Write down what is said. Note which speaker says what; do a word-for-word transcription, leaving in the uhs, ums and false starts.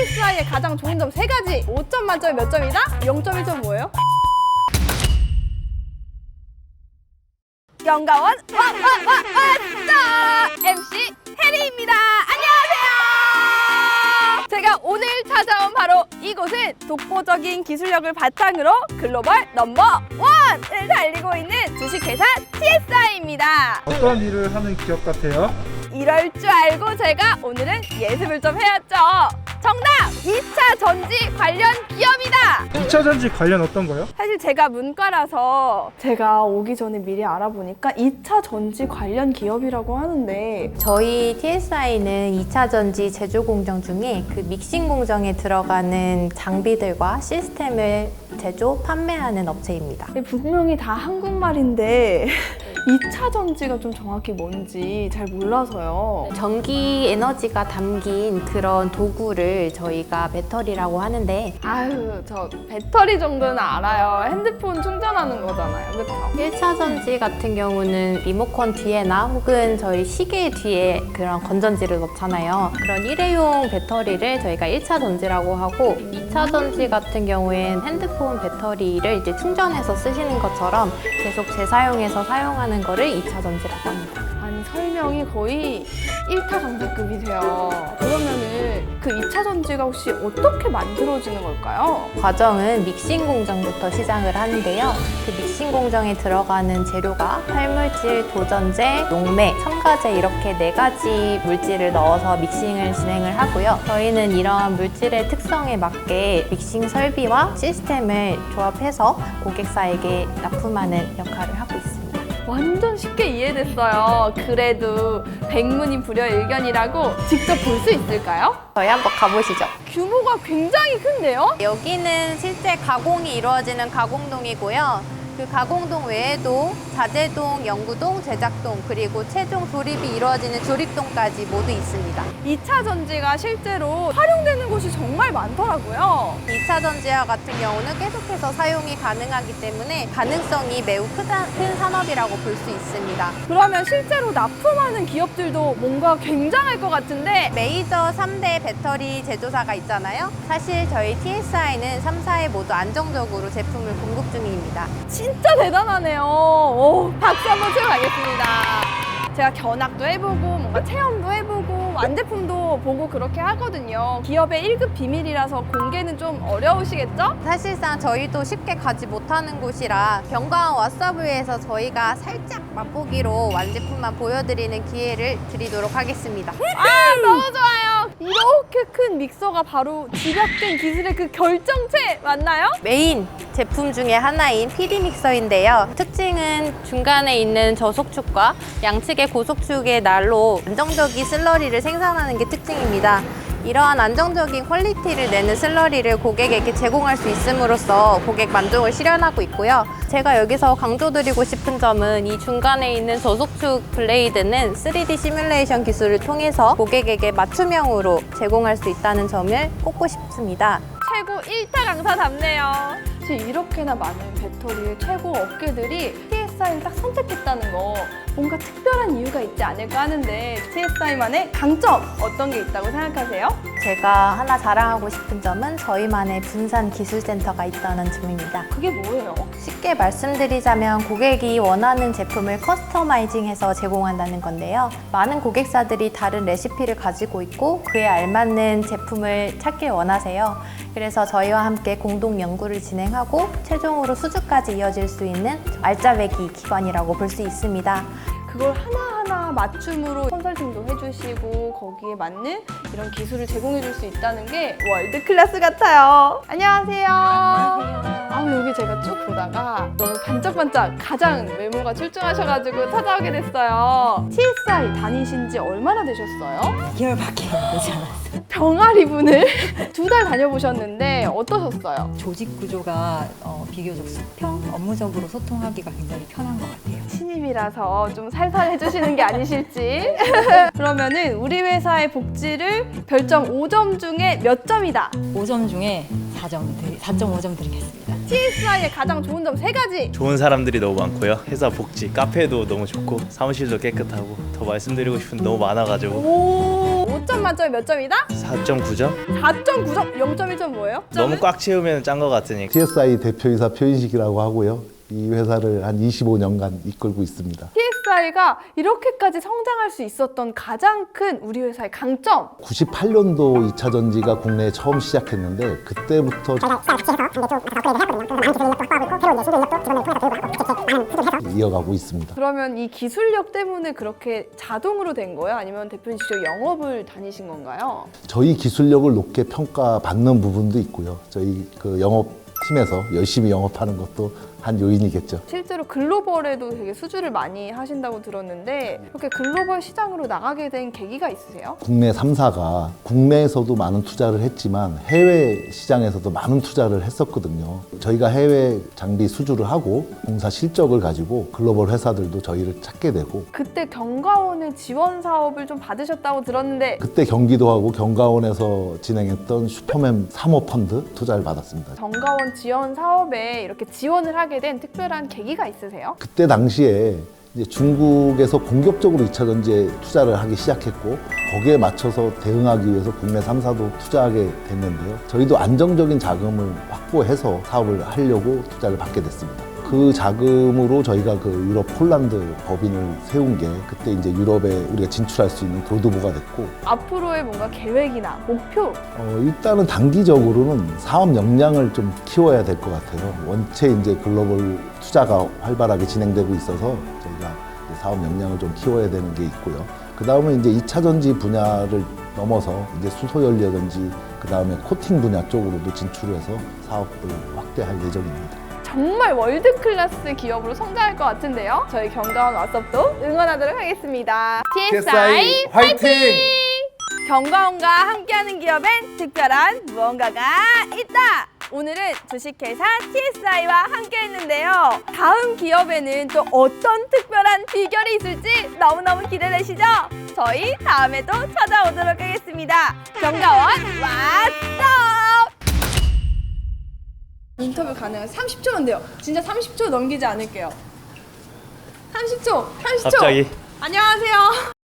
Speaker 1: 티에스아이의 가장 좋은 점 세 가지. 오 점 만점에 몇 점이다? 영 점 일 점 뭐예요? 영가원 와와와와 엠씨 해리입니다. 안녕하세요. 제가 오늘 찾아온 바로 이곳은 독보적인 기술력을 바탕으로 글로벌 넘버 원을 달리고 있는 주식회사 티에스아이입니다.
Speaker 2: 어떤 일을 하는 기업 같아요?
Speaker 1: 이럴 줄 알고 제가 오늘은 예습을 좀 해왔죠. 정답! 이 차 전지 관련 기업이다!
Speaker 2: 이 차 전지 관련 어떤 거요?
Speaker 1: 사실 제가 문과라서 제가 오기 전에 미리 알아보니까 이 차 전지 관련 기업이라고 하는데
Speaker 3: 저희 티에스아이는 이 차 전지 제조 공정 중에 그 믹싱 공정에 들어가는 장비들과 시스템을 제조, 판매하는 업체입니다.
Speaker 1: 분명히 다 한국말인데 이 차 전지가 좀 정확히 뭔지 잘 몰라서요.
Speaker 3: 전기 에너지가 담긴 그런 도구를 저희가 배터리라고 하는데
Speaker 1: 아유, 저 배터리 정도는 알아요. 핸드폰 충전하는 거잖아요. 그렇죠?
Speaker 3: 일 차 전지 같은 경우는 리모컨 뒤에나 혹은 저희 시계 뒤에 그런 건전지를 넣잖아요. 그런 일회용 배터리를 저희가 일 차 전지라고 하고 이 차 전지 같은 경우엔 핸드폰 배터리를 이제 충전해서 쓰시는 것처럼 계속 재사용해서 사용하는 거를 이 차 전지라고 합니다.
Speaker 1: 아니, 설명이 거의 일 타 강사급이세요. 그러면은 그 이 차 전지가 혹시 어떻게 만들어지는 걸까요?
Speaker 3: 과정은 믹싱 공정부터 시작을 하는데요. 그 믹싱 공정에 들어가는 재료가 활물질, 도전제, 용매, 첨가제 이렇게 네 가지 물질을 넣어서 믹싱을 진행을 하고요. 저희는 이러한 물질의 특성에 맞게 믹싱 설비와 시스템을 조합해서 고객사에게 납품하는 역할을 하고 있습니다.
Speaker 1: 완전 쉽게 이해됐어요. 그래도 백문이 불여일견이라고 직접 볼 수 있을까요?
Speaker 3: 저희 한번 가보시죠.
Speaker 1: 규모가 굉장히 큰데요?
Speaker 3: 여기는 실제 가공이 이루어지는 가공동이고요. 그 가공동 외에도 자재동, 연구동, 제작동, 그리고 최종 조립이 이루어지는 조립동까지 모두 있습니다.
Speaker 1: 이 차 전지가 실제로 활용되는 곳이 정말 많더라고요.
Speaker 3: 이 차 전지와 같은 경우는 계속해서 사용이 가능하기 때문에 가능성이 매우 크다, 큰 산업이라고 볼 수 있습니다.
Speaker 1: 그러면 실제로 납품하는 기업들도 뭔가 굉장할 것 같은데
Speaker 3: 메이저 삼 대 배터리 제조사가 있잖아요. 사실 저희 티에스아이는 삼 사에 모두 안정적으로 제품을 공급 중입니다.
Speaker 1: 진짜 대단하네요. 오, 박수 한번 치고 가겠습니다. 제가 견학도 해보고 뭔가 체험도 해보고 완제품도 보고 그렇게 하거든요. 기업의 일 급 비밀이라서 공개는 좀 어려우시겠죠?
Speaker 3: 사실상 저희도 쉽게 가지 못하는 곳이라 병가원 왓서브에서 저희가 살짝 맛보기로 완제품만 보여드리는 기회를 드리도록 하겠습니다.
Speaker 1: 아, 너무 좋아요. 이렇게 큰 믹서가 바로 집약된 기술의 그 결정체 맞나요?
Speaker 3: 메인 제품 중에 하나인 피디 믹서인데요. 특징은 중간에 있는 저속축과 양측의 고속축의 날로 안정적인 슬러리를 생산하는 게 특징입니다. 이러한 안정적인 퀄리티를 내는 슬러리를 고객에게 제공할 수 있음으로써 고객 만족을 실현하고 있고요. 제가 여기서 강조드리고 싶은 점은 이 중간에 있는 저속축 블레이드는 쓰리디 시뮬레이션 기술을 통해서 고객에게 맞춤형으로 제공할 수 있다는 점을 꼽고 싶습니다.
Speaker 1: 최고 일 타 강사답네요. 사실 이렇게나 많은 배터리의 최고 업계들이 티에스아이를 딱 선택했다는 거 뭔가 특별한 이유가 있지 않을까 하는데 티에스아이만의 강점 어떤 게 있다고 생각하세요?
Speaker 3: 제가 하나 자랑하고 싶은 점은 저희만의 분산 기술센터가 있다는 점입니다.
Speaker 1: 그게 뭐예요?
Speaker 3: 쉽게 말씀드리자면 고객이 원하는 제품을 커스터마이징해서 제공한다는 건데요. 많은 고객사들이 다른 레시피를 가지고 있고 그에 알맞는 제품을 찾길 원하세요. 그래서 저희와 함께 공동 연구를 진행하고 최종으로 수주까지 이어질 수 있는 알짜배기 기관이라고 볼 수 있습니다.
Speaker 1: 그걸 하나하나 맞춤으로 컨설팅도 해주시고 거기에 맞는 이런 기술을 제공해줄 수 있다는 게 월드 클래스 같아요. 안녕하세요. 아우, 여기 제가 쭉 보다가 너무 반짝반짝 가장 외모가 출중하셔가지고 찾아오게 됐어요. 티에스아이 다니신 지 얼마나 되셨어요?
Speaker 4: 이 개월밖에 되지 않았어요.
Speaker 1: 병아리 분을 두 달 다녀보셨는데 어떠셨어요?
Speaker 4: 조직 구조가 어, 비교적 수평, 업무적으로 소통하기가 굉장히 편한 것 같아요.
Speaker 1: 신입이라서 좀 살살 해주시는 게 아니실지. 그러면은 우리 회사의 복지를 별점 오 점 중에 몇 점이다?
Speaker 4: 오 점 중에 사 점, 사 점 오 점 드리겠습니다.
Speaker 1: 티에스아이의 가장 좋은 점 세 가지.
Speaker 5: 좋은 사람들이 너무 많고요. 회사 복지, 카페도 너무 좋고 사무실도 깨끗하고 더 말씀드리고 싶은 게 너무 많아가지고
Speaker 1: 오, 오 십 점 만점에 몇 점이다?
Speaker 5: 사 점 구 점?
Speaker 1: 사 점 구 점, 영 점 일 점 뭐예요?
Speaker 5: 너무 꽉 채우면 짠 것 같으니까.
Speaker 6: 티에스아이 대표이사 표인식이라고 하고요. 이 회사를 한 이십오 년간 이끌고 있습니다.
Speaker 1: 티에스아이가 이렇게까지 성장할 수 있었던 가장 큰 우리 회사의 강점.
Speaker 6: 구십팔 년도 이 차 전지가 국내에 처음 시작했는데 그때부터 이어가고 있습니다.
Speaker 1: 그러면 이 기술력 때문에 그렇게 자동으로 된 거예요? 아니면 대표님 직접 영업을 다니신 건가요?
Speaker 6: 저희 기술력을 높게 평가받는 부분도 있고요. 저희 그 영업팀에서 열심히 영업하는 것도 한 요인이겠죠.
Speaker 1: 실제로 글로벌에도 되게 수주를 많이 하신다고 들었는데 이렇게 글로벌 시장으로 나가게 된 계기가 있으세요?
Speaker 6: 국내 삼 사가 국내에서도 많은 투자를 했지만 해외 시장에서도 많은 투자를 했었거든요. 저희가 해외 장비 수주를 하고 공사 실적을 가지고 글로벌 회사들도 저희를 찾게 되고
Speaker 1: 그때 경과원의 지원 사업을 좀 받으셨다고 들었는데
Speaker 6: 그때 경기도하고 경과원에서 진행했던 슈퍼맨 삼 호 펀드 투자를 받았습니다.
Speaker 1: 경과원 지원 사업에 이렇게 지원을 하게 된 특별한 계기가 있으세요?
Speaker 6: 그때 당시에 이제 중국에서 공격적으로 이 차 전지에 투자를 하기 시작했고 거기에 맞춰서 대응하기 위해서 국내 삼 사도 투자하게 됐는데요. 저희도 안정적인 자금을 확보해서 사업을 하려고 투자를 받게 됐습니다. 그 자금으로 저희가 그 유럽 폴란드 법인을 세운 게 그때 이제 유럽에 우리가 진출할 수 있는 교두보가 됐고
Speaker 1: 앞으로의 뭔가 계획이나 목표
Speaker 6: 어, 일단은 단기적으로는 사업 역량을 좀 키워야 될 것 같아요. 원체 이제 글로벌 투자가 활발하게 진행되고 있어서 저희가 이제 사업 역량을 좀 키워야 되는 게 있고요. 그 다음에 이제 이 차 전지 분야를 넘어서 이제 수소 연료든지 그 다음에 코팅 분야 쪽으로도 진출해서 사업을 확대할 예정입니다.
Speaker 1: 정말 월드 클래스 기업으로 성장할 것 같은데요. 저희 경과원 왓썹도 응원하도록 하겠습니다. 티에스아이 화이팅! 경과원과 함께하는 기업엔 특별한 무언가가 있다. 오늘은 주식회사 티에스아이와 함께했는데요. 다음 기업에는 또 어떤 특별한 비결이 있을지 너무너무 기대되시죠? 저희 다음에 또 찾아오도록 하겠습니다. 경과원 왓썹! 인터뷰 가능한 삼십 초인데요. 진짜 삼십 초 넘기지 않을게요. 삼십 초, 삼십 초.
Speaker 5: 갑자기.
Speaker 1: 안녕하세요.